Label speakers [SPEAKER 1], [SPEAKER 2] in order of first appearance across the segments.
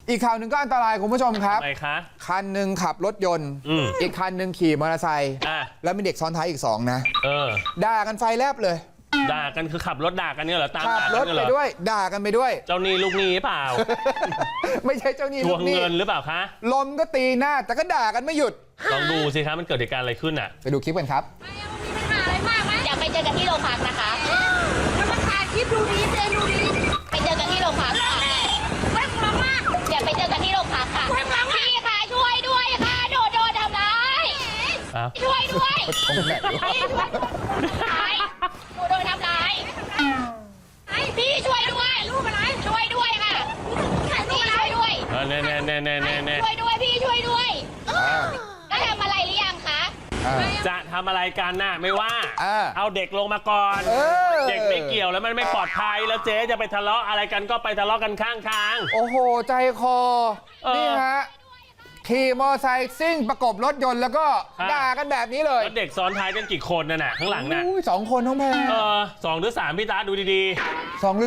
[SPEAKER 1] อีกข่าวหนึ่งก็อันตรายคุณผู้ชมครับ
[SPEAKER 2] ทำไมคะ
[SPEAKER 1] คันหนึ่งขับรถยนต์อีกคันหนึ่งขี่มอเตอร์ไซค์แล้วมีเด็กซ้อนท้ายอีก2นะด่ากันไฟแลบเลย
[SPEAKER 2] ด่ากันคือขับรถด่ากันเนี่ยเหรอตาม
[SPEAKER 1] ขับรถไปด้วยด่ากันไปด้วย
[SPEAKER 2] เจ้าหนี้ลูกหนี้เปล่า
[SPEAKER 1] ไม่ใช่เจ้าหนี้
[SPEAKER 2] ทวงเงินหรือเปล่าคะ
[SPEAKER 1] ลมก็ตีหน้าแต่ก็ด่ากันไม่หยุด
[SPEAKER 2] ลองดูสิครับมันเกิดเหตุการณ์อะไรขึ้นอ่ะ
[SPEAKER 1] ไปดูคลิปกันครับ
[SPEAKER 3] อยากไปเจอกันที่โรงพักนะคะแล้วมาถ่ายคลิปดูดีเจดูดีไปเจอกันที่โรงพักค่ะไม่กลัวมากอยากไปเจอกันที่โรงพักค่ะพี่ค่ะช่วยด้วยค่ะโดนทำร้ายช่วยด้วยหนูโดนทำร้ายพี่ช่วยด้วยช่วยด้วยค่ะพี่ช่วยด้วย
[SPEAKER 2] แน่
[SPEAKER 3] ช่วยด้วยพี่ช่วยด้วยก็ทำอะไรหรือยังคะ
[SPEAKER 2] จะทำอะไรกันน่ะไม่ว่าเอาเด็กลงมาก่อนเด็กไม่เกี่ยวแล้วมันไม่ปลอดภัยแล้วเจ๊จะไปทะเลาะอะไรกันก็ไปทะเลาะกันข้างทาง
[SPEAKER 1] โอ้โหใจคอนี่ฮะขี่มอไซค์ซิ่งประกบรถยนต์แล้วก็ด่ากันแบบนี้เลย
[SPEAKER 2] แล้วเด็กซ้อนท้ายกันกี่คนน่ะข้างหลังน่ะ
[SPEAKER 1] 2 คนน้องแพร
[SPEAKER 2] 2 หรือ 3พี่ตาดูดี
[SPEAKER 1] ๆ2 หรือ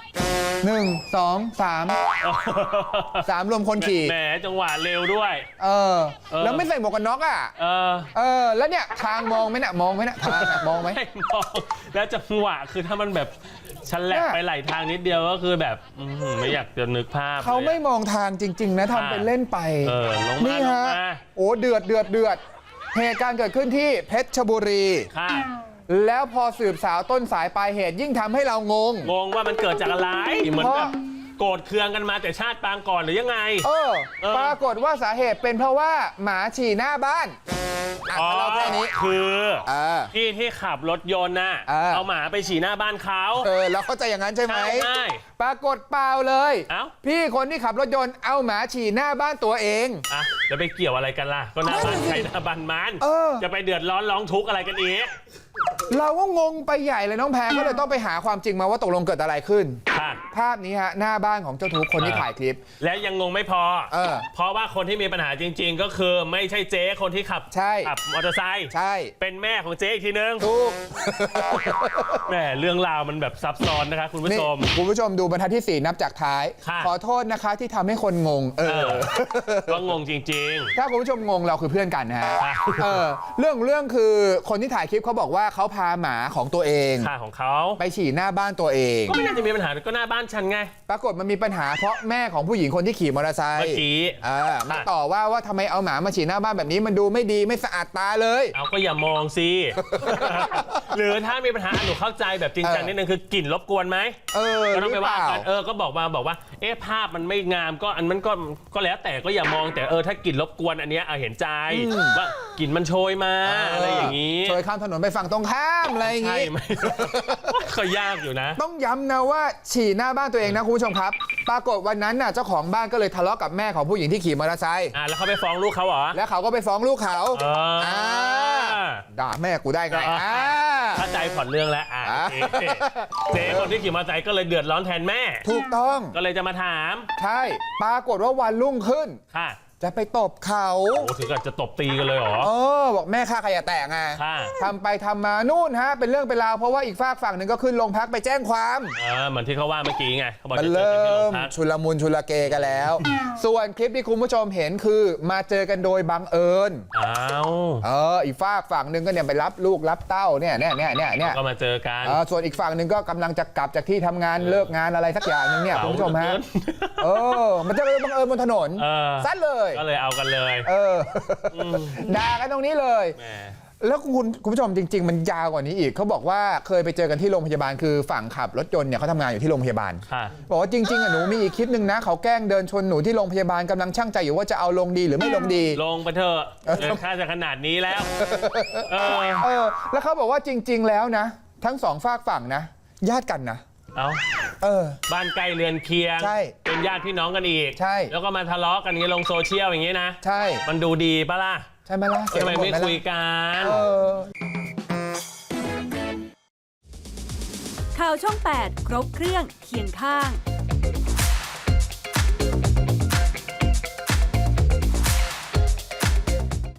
[SPEAKER 1] 3 1 2 3 รวมคนขี่
[SPEAKER 2] แหมจังหวะเร็วด้วย
[SPEAKER 1] แล้วไม่ใส่หมวกกันน็อกอ่ะแล้วเนี่ยทางมองไหมเนี่ยมองไหมเนี่ยทางมองไหม
[SPEAKER 2] มองแล้วจังหวะคือถ้ามันแบบฉันแหลกไปไหลทางนิดเดียวก็คือแบบไม่อยากจะนึกภาพ
[SPEAKER 1] เขาไม่มองทางจริงๆนะทำเป็นเล่นไปนี่ฮะโอ้เดือดเหตุการณ์เกิดขึ้นที่เพชรบุรีแล้วพอสืบสาวต้นสายปลายเหตุยิ่งทำให้เรางง
[SPEAKER 2] ว่ามันเกิดจากอะไรเหมือนแบบโกรธเคืองกันมาแต่ชาติปางก่อนหรือยังไง
[SPEAKER 1] ปรากฏว่าสาเหตุเป็นเพราะว่าหมาฉี่หน้าบ้าน
[SPEAKER 2] เราแค่นี้คือพี่ที่ขับรถยนต์น่ะเอาหมาไปฉี่หน้าบ้านเขา
[SPEAKER 1] แล้วเข้าใจอย่างนั้นใช่ไหมปรากฏเปล่าเลยพี่คนที่ขับรถยนต์เอาหมาฉี่หน้าบ้านตัวเอง
[SPEAKER 2] แล้วไปเกี่ยวอะไรกันล่ะก็หน้าบ้านใครหน้าบ้านมันจะไปเดือดร้อนร้องทุกข์อะไรกันอีก
[SPEAKER 1] เราก็งงไปใหญ่เลยน้องแพรก็เลยต้องไปหาความจริงมาว่าตกลงเกิดอะไรขึ้นภาพนี้ฮะหน้าบ้านของเจ้าทุกคนที่ถ่ายคลิป
[SPEAKER 2] และยังงงไม่พอเพราะว่าคนที่มีปัญหาจริงๆก็คือไม่ใช่เจ๊คนที่ขับมอเตอร์ไซค์เป็นแม่ของเจ๊อีกทีนึง
[SPEAKER 1] ถูก
[SPEAKER 2] แหมเรื่องราวมันแบบซับซ้อนนะคะคุณผู้ช
[SPEAKER 1] มดูบรรทัดที่4นับจากท้ายขอโทษนะคะที่ทำให้คนงง
[SPEAKER 2] ก็งงจริง
[SPEAKER 1] ๆถ้าคุณผู้ชมงงเราคือเพื่อนกันนะฮะเรื่องคือคนที่ถ่ายคลิปเขาบอกว่าเขาพาหมาของตัวเอง
[SPEAKER 2] ของเขา
[SPEAKER 1] ไปฉี่หน้าบ้านตัวเอง
[SPEAKER 2] ก็ไม่น่าจะมีปัญหาก็หน้าบ้านฉันไง
[SPEAKER 1] ปรากฏมันมีปัญหาเพราะแม่ของผู้หญิงคนที่ขี่มอเตอร์ไซค์
[SPEAKER 2] เมื่อกี้
[SPEAKER 1] มาต่อว่าทำไมเอาหมามาฉี่หน้าบ้านแบบนี้มันดูไม่ดีไม่สะอาดตาเลย
[SPEAKER 2] เอาก็อย่ามองสิหรือถ้ามีปัญหาหนูเข้าใจแบบจริงจังนิดนึงคือกลิ่นรบกวนไหมก็ต้องไปว่ากันก็บอกว่าภาพมันไม่งามก็อันมันก็แล้วแต่ก็อย่ามองแต่ถ้ากลิ่นรบกวนอันเนี้ยเห็นใจว่ากลิ่นมันโชยมาอะไรอย่างนี้
[SPEAKER 1] โชยข้ามถนนไปฝั่งตรงข้ามอะไรอย่างนี้
[SPEAKER 2] ก็ยากอยู่นะ
[SPEAKER 1] ต้องย้ำนะว่าฉี่หน้าบ้านตัวเองนะคุณผู้ชมครับปรากฏวันนั้นน่ะเจ้าของบ้านก็เลยทะเลาะกับแม่ของผู้หญิงที่ขี่มอเตอร์ไซค์
[SPEAKER 2] แล้วเขาไปฟ้องลูกเขาเหรอ
[SPEAKER 1] แล้วเขาก็ไปฟ้องลูกเขาด่าแม่กูได้ไง
[SPEAKER 2] เข้าใจผ่อนเรื่องแล้วเจ๊คนที่ขี่มอเตอร์ไซค์ก็เลยเดือดร้อนแทนแม่
[SPEAKER 1] ถูกต้อง
[SPEAKER 2] ก็เลยจะมาถาม
[SPEAKER 1] ใช่ปรากฏว่าวันรุ่งขึ้นจะไปตบเขา
[SPEAKER 2] ถึงกับจะตบตีกันเลยเหรอ
[SPEAKER 1] บอกแม่ฆ่าใครอย่าแตะไงทำไปทำมานู่นฮะเป็นเรื่องเป็นราวเพราะว่าอีกฝั่งหนึ่งก็ขึ้นโรงพักไปแจ้งความ
[SPEAKER 2] เหมือนที่เขาว่าเมื่อกี้ไงเขาบอก
[SPEAKER 1] มันเริ่มชุลมุนชุลเกกันแล้วส่วนคลิปที่คุณผู้ชมเห็นคือมาเจอกันโดยบังเอิญอีกฝั่งหนึ่งก็เนี่ยไปรับลูกรับเต้าเนี่ย
[SPEAKER 2] ก็มาเจอกัน
[SPEAKER 1] ส่วนอีกฝั่งหนึ่งก็กำลังจะกลับจากที่ทำงานเลิกงานอะไรสักอย่างนึงเนี่ยคุณผู้ชมฮะมันจะบังเอิญบนถนนซัดเลย
[SPEAKER 2] ก็เลยเอากันเลย
[SPEAKER 1] ด่ากันตรงนี้เลยแล้วคุณผู้ชมจริงๆมันยาวกว่านี้อีกเขาบอกว่าเคยไปเจอกันที่โรงพยาบาลคือฝั่งขับรถยนต์เนี่ยเขาทำงานอยู่ที่โรงพยาบาลบอกว่าจริงๆหนูมีอีกคลิปหนึ่งนะเขาแกล้งเดินชนหนูที่โรงพยาบาลกำลังชั่งใจอยู่ว่าจะเอาลงดีหรือไม่ลงดี
[SPEAKER 2] ลงไปเถอะเดินค่าจะขนาดนี้แล้ว
[SPEAKER 1] แล้วเขาบอกว่าจริงๆแล้วนะทั้ง2ฝั่งนะญาติกันนะ
[SPEAKER 2] บ้านใกล้เรือนเคียงเป็นญาติพี่น้องกันอีกแล้วก็มาทะเลาะกันลงโซเชียลอย่างนี้นะ
[SPEAKER 1] ใช่
[SPEAKER 2] มันดูดีปะล่ะ
[SPEAKER 1] ใช่ไหมล่ะ
[SPEAKER 2] ทำไมไม่คุยกัน
[SPEAKER 4] ข่าวช่อง 8 ครบเครื่องเคียงข้าง